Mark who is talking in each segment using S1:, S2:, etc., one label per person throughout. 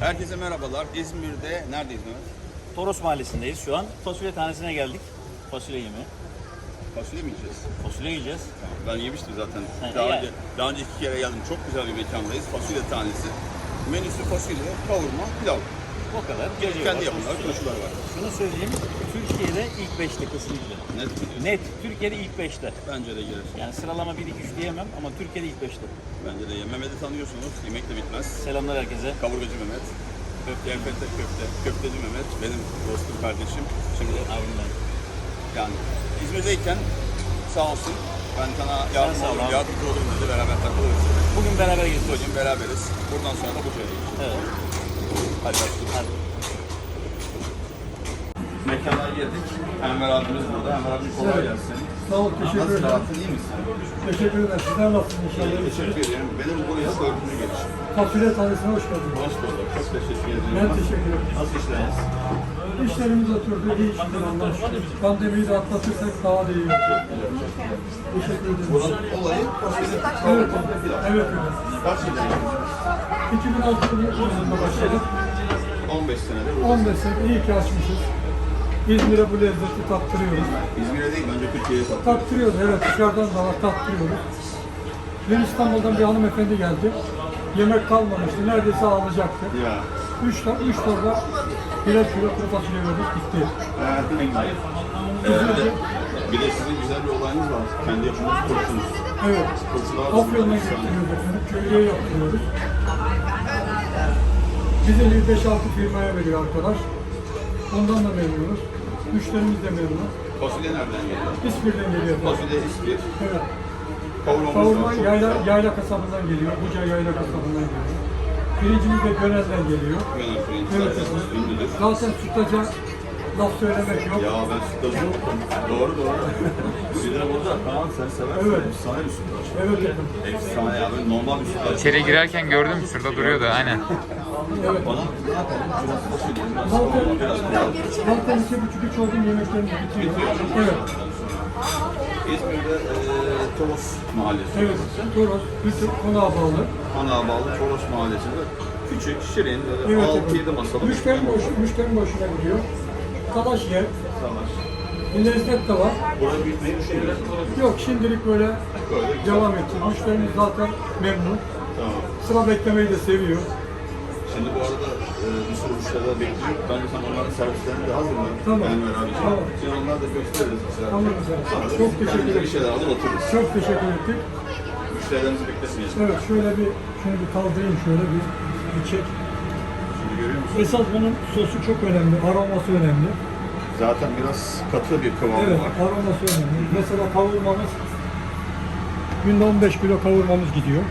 S1: Herkese merhabalar. İzmir'de neredeyiz Mehmet?
S2: Toros Mahallesi'ndeyiz şu an. Fasulye tanesine geldik. Fasulye yemeği.
S1: Fasulye mi yiyeceğiz?
S2: Fasulye yiyeceğiz.
S1: Tamam, ben yemiştim zaten.
S2: Ha,
S1: Daha önce 2 kere geldim. Çok güzel bir mekandayız. Fasulye tanesi. Menüsü fasulye, kavurma, pilav.
S2: O kadar. Gece
S1: Kendi
S2: var,
S1: yapımları, turşular var.
S2: Şunu söyleyeyim. Türkiye'de ilk 5'te kesinlikle.
S1: Net mi diyorsun?
S2: Net. Türkiye'de ilk 5'te.
S1: Bence de girer.
S2: Yani sıralama 1, 2, 3 diyemem ama Türkiye'de ilk 5'te.
S1: Bence de. Mehmet'i tanıyorsunuz. Yemek de bitmez.
S2: Selamlar herkese.
S1: Kavurgacı Mehmet. Köfte, köfteci Mehmet. Benim dostum, kardeşim. Şimdi
S2: Abim ben.
S1: yani İzmir'deyken sağ olsun. Ben sana yardımcı
S2: sağ ol
S1: olurum,
S2: abi.
S1: yardımcı olurum dedi. Beraber takılırız.
S2: Bugün beraber geziyoruz.
S1: Bugün beraberiz. Buradan sonra da Buca'ya geçeceğiz.
S2: Evet.
S1: Hadi başlayalım.
S2: Hadi.
S1: Mekana girdik. Enver abimiz burada. Enver abi kolay gelsin.
S3: Sağ ol, teşekkür
S1: Nasıl
S3: ederim.
S1: rahatın, iyi misin?
S3: Teşekkür ederim. Sizler nasılsınız inşallah?
S1: Teşekkür ederim. Benim buraya 4. gelişim.
S3: Fasulye tanesine hoş geldiniz.
S1: Hoş bulduk. Çok teşekkür ederim.
S3: Ben teşekkür ederim.
S1: Nasıl işleriniz?
S3: İşlerimiz oturdu, iyi şükür Allah'a şükür. Pandemiyi de atlatırsak daha da iyi olacak. Teşekkür ederim.
S1: Buranın olayı fasulye
S3: Evet,
S1: kavurma pilav.
S3: evet, evet.
S1: Kaç yıldan yapıyorsunuz?
S3: 2006 yılında başladık.
S1: 15 senedir.
S3: 15 sene iyi ki açmışız. İzmir'e bu lezzeti tattırıyoruz.
S1: İzmir'e değil, bence Türkiye'ye satın.
S3: Tattırıyoruz, evet, dışarıdan da var, tattırıyoruz. Dün İstanbul'dan bir hanımefendi geldi. Yemek kalmamıştı, neredeyse ağlayacaktı.
S1: Ya.
S3: 3 torba birer kilo kuru fasulye verdik, gitti.
S1: Evet, ne güzel. Bir de sizin güzel bir olayınız var. Kendi yapımınız turşunuz.
S3: Evet.
S1: Turşular
S3: Afyon'a getiriyoruz efendim, köylüye yaptırıyoruz. Bize 5-6 firmaya veriyor arkadaş. Ondan da memnunuz. Müşterimiz de memnun.
S1: Fasulye nereden geliyor?
S3: İspir'den geliyor efendim.
S1: Fasulye ispir.
S3: Evet.
S1: Kavurmamız
S3: Kavurma
S1: var. Çok
S3: yayla,
S1: güzel.
S3: yayla kasabından geliyor. Buca yayla kasabından geliyor. Pirincimiz de Gönel'den geliyor.
S1: Gönül pirinç
S3: Evet
S1: zaten
S3: efendim.
S1: ünlüdür.
S3: Zaten sütlaca laf söylemek yok.
S1: Ya ben sütlaç unuttum. Doğru. Bir de burada Kaan sen seversin.
S3: Evet.
S1: Efsane bir sütlaç.
S3: Evet efendim.
S1: Efsane ya. Böyle normal bir sütlaç.
S4: İçeri girerken gördüm, şurada duruyordu aynen.
S3: Evet.
S1: Bana ne yapalım? Biraz fasulye, biraz
S3: Zaten,
S1: kavurma, biraz pilav.
S3: zaten 2,5-3 oldum yemeklerimiz bitiyor. Evet.
S1: İzmir'de Toros Mahallesi.
S3: Evet. Toros, bütün konağa bağlı.
S1: Ana bağlı Toros Mahallesi'nde. Küçük, şirin, böyle
S3: Evet,
S1: 6-7 masalı.
S3: Müşteri boşuna gidiyor. Talaş yer.
S1: Savaş.
S3: Lezzet de var.
S1: Burayı büyütmeyi düşünüyoruz.
S3: Yok şimdilik böyle
S1: Böyle.
S3: devam edeceğiz. Müşterimiz zaten memnun.
S1: Tamam.
S3: Sıra beklemeyi de seviyor.
S1: Şimdi bu arada bir sürü müşteriler bekliyor. Bence sen onların servislerini de hazırla.
S3: Tamam.
S1: Enver abiciğim.
S3: Tamam.
S1: Şimdi onları da gösteririz mesela.
S3: Tamam efendim. Çok teşekkür
S1: Kendimize bir
S3: ederim.
S1: şeyler alır otururuz.
S3: Çok teşekkür ettik.
S1: Müşterilerimizi bekletmeyelim.
S3: Evet şöyle bir şunu bir kaldırayım şöyle bir çek.
S1: Şimdi görüyor musun?
S3: Esas bunun sosu çok önemli. Aroması önemli.
S1: Zaten biraz katı bir kıvamı
S3: Evet
S1: var.
S3: aroması önemli. Mesela kavurmamız günde 15 kilo kavurmamız gidiyor.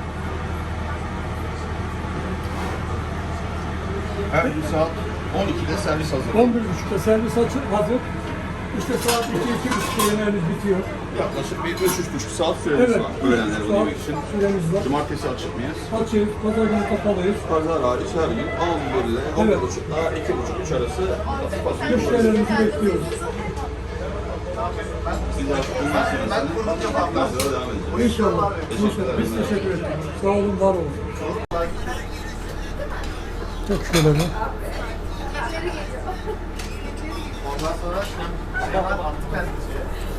S1: Her gün saat 12'de servis hazır.
S3: 11.30'da servis hazır. İşte saat 2-2.30'da yemeğimiz bitiyor.
S1: Yaklaşık bir 3-3,5 saat süremiz
S3: Evet.
S1: var. Öğlenleri
S3: saat
S1: yemek için.
S3: süremiz var.
S1: Cumartesi açık mıyız?
S3: Açığız, pazar günü kapalıyız.
S1: Pazar hariç her gün 11 ile 11.30 ile 2.30-3 arası fasulye buluruz.
S3: Müşterilerimizi bekliyoruz.
S1: Siz artık bundan sonrasını devam edeceğiz.
S3: İnşallah.
S1: Teşekkürler.
S3: Biz teşekkür ederiz. Sağ olun, var olun. Çok şöyle bir.
S5: Ondan sonra hemen attı kendisi.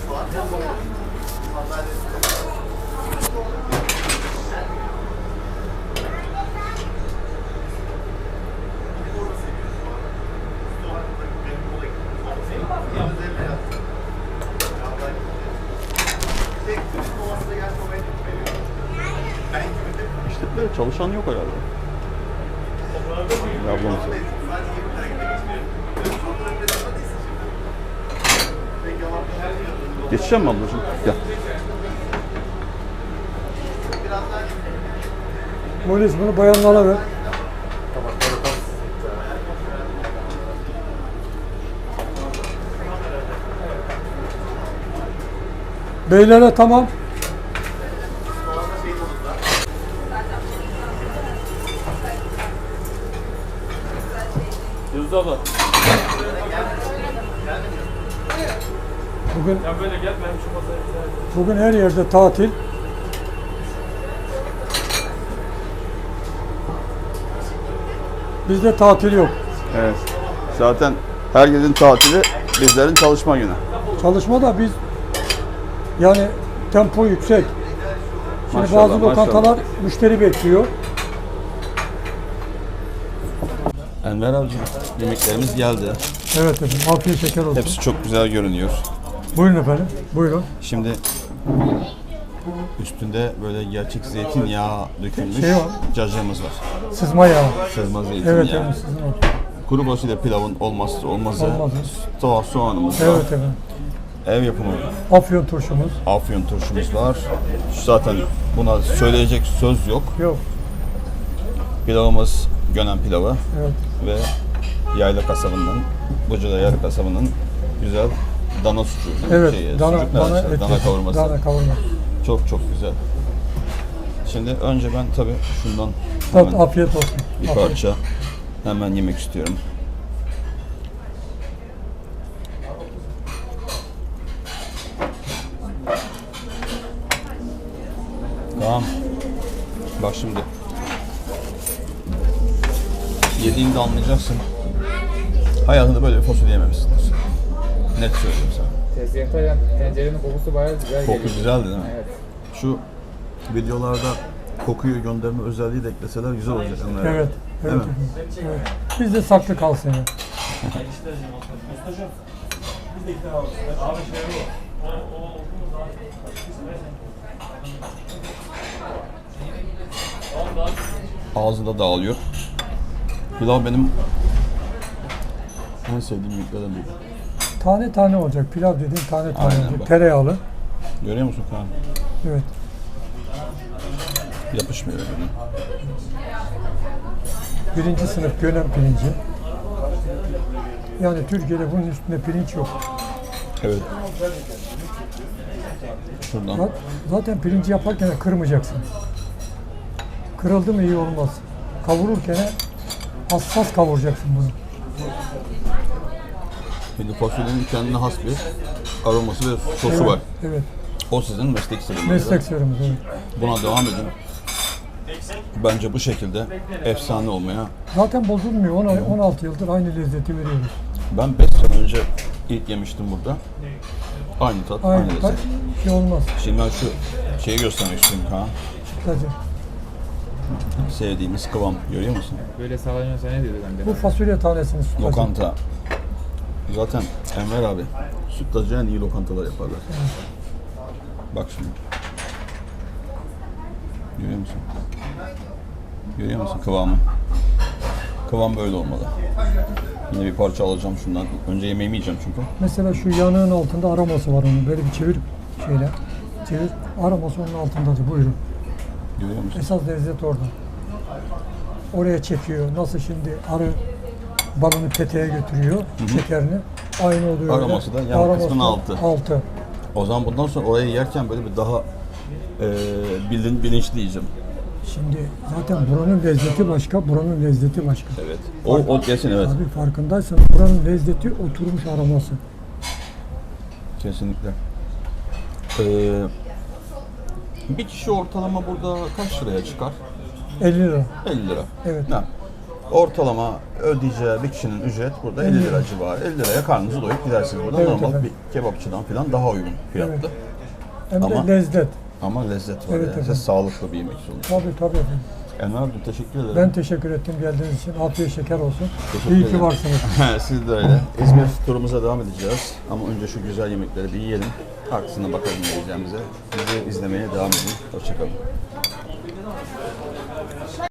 S1: İşte böyle çalışan yok herhalde. Ablamız. Geçeceğim mi ablacığım? Gel.
S3: Polis bunu bayanlara ver. Beylere tamam.
S2: Yıldız abla.
S3: Bugün
S2: Ya böyle gel ben şu masaya
S3: bugün her yerde tatil. Bizde tatil yok.
S1: Evet. Zaten herkesin tatili, bizlerin çalışma günü.
S3: Çalışma da biz yani tempo yüksek. Şimdi
S1: Maşallah,
S3: bazı lokantalar müşteri bekliyor.
S1: Enver abici, yemeklerimiz geldi.
S3: Evet efendim. Afiyet şeker olsun.
S1: Hepsi çok güzel görünüyor.
S3: Buyurun efendim. Buyurun.
S1: Şimdi üstünde böyle gerçek zeytinyağı dökülmüş
S3: Şey var.
S1: cacığımız var.
S3: Sızma yağı.
S1: Sızma zeytinyağı.
S3: Evet efendim sızma.
S1: Kuru fasulye pilavın olmazsa olmazı.
S3: Olmazı.
S1: Soğanımız var.
S3: Evet efendim.
S1: Ev yapımı
S3: Afyon turşumuz.
S1: afyon turşumuz var. Zaten buna söyleyecek söz yok.
S3: Yok.
S1: Pilavımız Gönen pilavı
S3: Evet.
S1: ve Yayla kasabından, Buca'da Yayla kasabının güzel dana sucuğu.
S3: Evet.
S1: Sucuk ne
S3: Dana
S1: işte,
S3: eti.
S1: dana kavurması.
S3: Dana kavurma.
S1: Çok çok güzel. Şimdi önce ben tabii şundan
S3: Tat,
S1: hemen
S3: afiyet olsun.
S1: bir
S3: Afiyet.
S1: parça hemen yemek istiyorum. Tamam. Bak şimdi. Yediğinde anlayacaksın. Hayatında böyle bir fasulye yememişsindir. Net söylüyorum sana.
S5: Tezgahta tencerenin kokusu bayağı güzel
S1: Koku
S5: geliyor.
S1: güzeldi değil mi?
S5: Evet.
S1: Şu videolarda kokuyu gönderme özelliği de ekleseler güzel olacak. Onlar.
S3: Evet.
S1: Değil
S3: Evet.
S1: mi?
S3: Evet. Bizde saklı kalsın ya.
S1: Ağzında dağılıyor. Pilav benim en sevdiğim yemeklerden biri.
S3: Tane tane olacak. Pilav dediğin tane tane
S1: Aynen
S3: olacak.
S1: bak.
S3: Tereyağlı.
S1: Görüyor musun Kaan?
S3: Evet.
S1: Yapışmıyor birbirine.
S3: Birinci sınıf Gönen pirinci. Yani Türkiye'de bunun üstünde pirinç yok.
S1: Evet. Şuradan.
S3: Zaten pirinci yaparken de kırmayacaksın. Kırıldı mı iyi olmaz. Kavururken hassas kavuracaksın bunu.
S1: Şimdi fasulyenin kendine has bir aroması ve sosu
S3: Evet,
S1: var.
S3: evet.
S1: O sizin meslek sırrınız.
S3: Meslek sırrımız. Evet.
S1: Buna devam edin. Bence bu şekilde efsane olmaya.
S3: Zaten bozulmuyor. 16 yıldır aynı lezzeti veriyoruz.
S1: Ben 5 sene önce ilk yemiştim burada. Aynı tat, aynı
S3: Aynı
S1: lezzet.
S3: şey olmaz.
S1: Şimdi ben şu şeyi göstermek istiyorum Kaan.
S3: Sadece.
S1: Sevdiğimiz kıvam. Görüyor musun?
S5: Böyle sağlanıyorsa ne diyordu bende?
S3: Bu fasulye tanesini sütlaç.
S1: Lokanta. Zaten Enver abi sütlacı en iyi lokantalar yaparlar. Bak şimdi. Görüyor musun? Görüyor musun kıvamı? Kıvam böyle olmalı. Yine bir parça alacağım şundan. Önce yemeğimi yiyeceğim çünkü.
S3: Mesela şu yanığın altında aroması var onun. Böyle bir çevir şeyle. Çevir. Aroması onun altındadır. Buyurun.
S1: Görüyor musun?
S3: Esas lezzet orada. Oraya çekiyor. Nasıl şimdi arı balını peteğe götürüyor. Şekerini. Aynı oluyor. öyle.
S1: Aroması da yan
S3: Aroması
S1: kısmının
S3: da
S1: altı.
S3: Altı.
S1: O zaman bundan sonra orayı yerken böyle bir daha bilinçli yiyeceğim.
S3: Şimdi zaten buranın lezzeti başka, buranın lezzeti başka.
S1: Evet. O kesin evet.
S3: Abi farkındaysan buranın lezzeti oturmuş aroması.
S1: Kesinlikle. Bir kişi ortalama burada kaç liraya çıkar?
S3: 50 lira.
S1: 50 lira.
S3: Evet.
S1: Ha. Ortalama ödeyeceği bir kişinin ücret burada 50 lira civarı. 50 liraya karnınızı doyup gidersiniz burada.
S3: Evet,
S1: Normal
S3: efendim.
S1: bir kebapçıdan falan daha uygun fiyatlı.
S3: Evet. Hem
S1: Ama-
S3: de lezzet.
S1: Ama lezzet var
S3: Evet,
S1: yani.
S3: efendim.
S1: Sağlıklı bir yemek sonuçta.
S3: Tabii efendim.
S1: Enver abi teşekkür ederim.
S3: Ben teşekkür ettim geldiğiniz için. Afiyet şeker olsun.
S1: Teşekkür
S3: İyi ki
S1: ederim.
S3: varsınız.
S1: Siz de öyle. İzmir turumuza devam edeceğiz. Ama önce şu güzel yemekleri bir yiyelim. Arkasına bakalım ne yiyeceğimize. Bizi izlemeye devam edin. Hoşçakalın.